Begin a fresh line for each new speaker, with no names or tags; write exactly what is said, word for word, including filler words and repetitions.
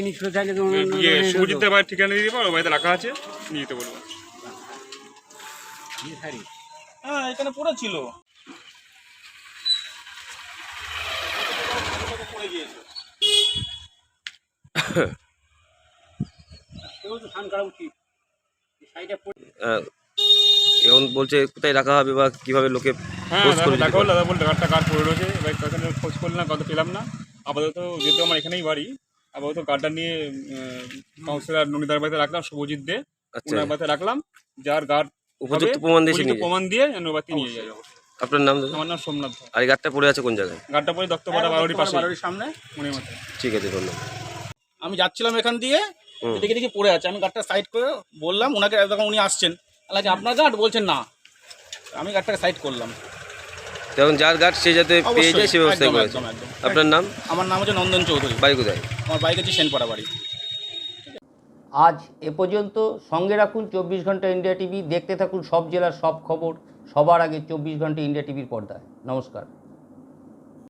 জিনিস চাইলে তো
ইয়ে শুভজিতের বাড়ির ঠিকানা দিয়ে দেবো, ওর বাড়িতে রাখা আছে, নিয়ে যেতে বলবো।
হ্যাঁ এখানে পড়েছিল, পড়ে গিয়েছে।
আহ, এখন বলছে কোথায় রাখা হবে বা কিভাবে লোকে
হ্যাঁ
খোঁজ
দাদা
করে
দেখা
দিতে
হলো,
পারে?
দাদা বলতে গাড়টা গাড় পড়ে রয়েছে, এবার ওখানে খোঁজ করলাম, কত পেলাম না। আপাতত যেহেতু আমার এখানেই বাড়ি, আপাতত গাড়টা নিয়ে কাউন্সিলর ননিদার বাড়িতে রাখলাম, শুভজিৎ দে
আচ্ছা,
ওনার বাড়িতে রাখলাম। যার গার্ড
উপযুক্ত প্রমাণ দিয়ে
উপযুক্ত
নিয়ে যায়।
প্রমাণ দিয়ে যেন ওর বাড়িতে নিয়ে যায়।
আপনার নাম দাদা?
আমার নাম সোমনাথ ধর।
আর এই গাড়টা পড়ে আছে কোন জায়গায়?
গাড়টা পড়ে দত্তপাড়া বাড়ির পাশে,
বাড়ির সামনে।
মনে মতো।
ঠিক আছে, ধন্যবাদ।
আমি যাচ্ছিলাম এখান দিয়ে,
হুম।
দেখে দেখে পড়ে আছে, আমি গাড়টা সাইড করে বললাম ওনাকে, তখন উনি আসছেন, আলাকে আপনার গার্ড বলছেন না, আমি গাড়টাকে সাইড করলাম।
তখন যার গার্ড সে যাতে পেয়ে যায় সে ব্যবস্থা
একদম,
করেছে।
একদম, একদম।
আপনার নাম?
আমার নাম হচ্ছে নন্দন চৌধুরী,
বাড়ি কোথায়?
আমার বাইক হচ্ছে সেনপাড়া বাড়ি।
আজ এ পর্যন্ত। সঙ্গে রাখুন চব্বিশ ঘন্টা ইন্ডিয়া টিভি, দেখতে থাকুন সব জেলার সব খবর সবার আগে চব্বিশ ঘন্টা ইন্ডিয়া টিভির পর্দায়। নমস্কার।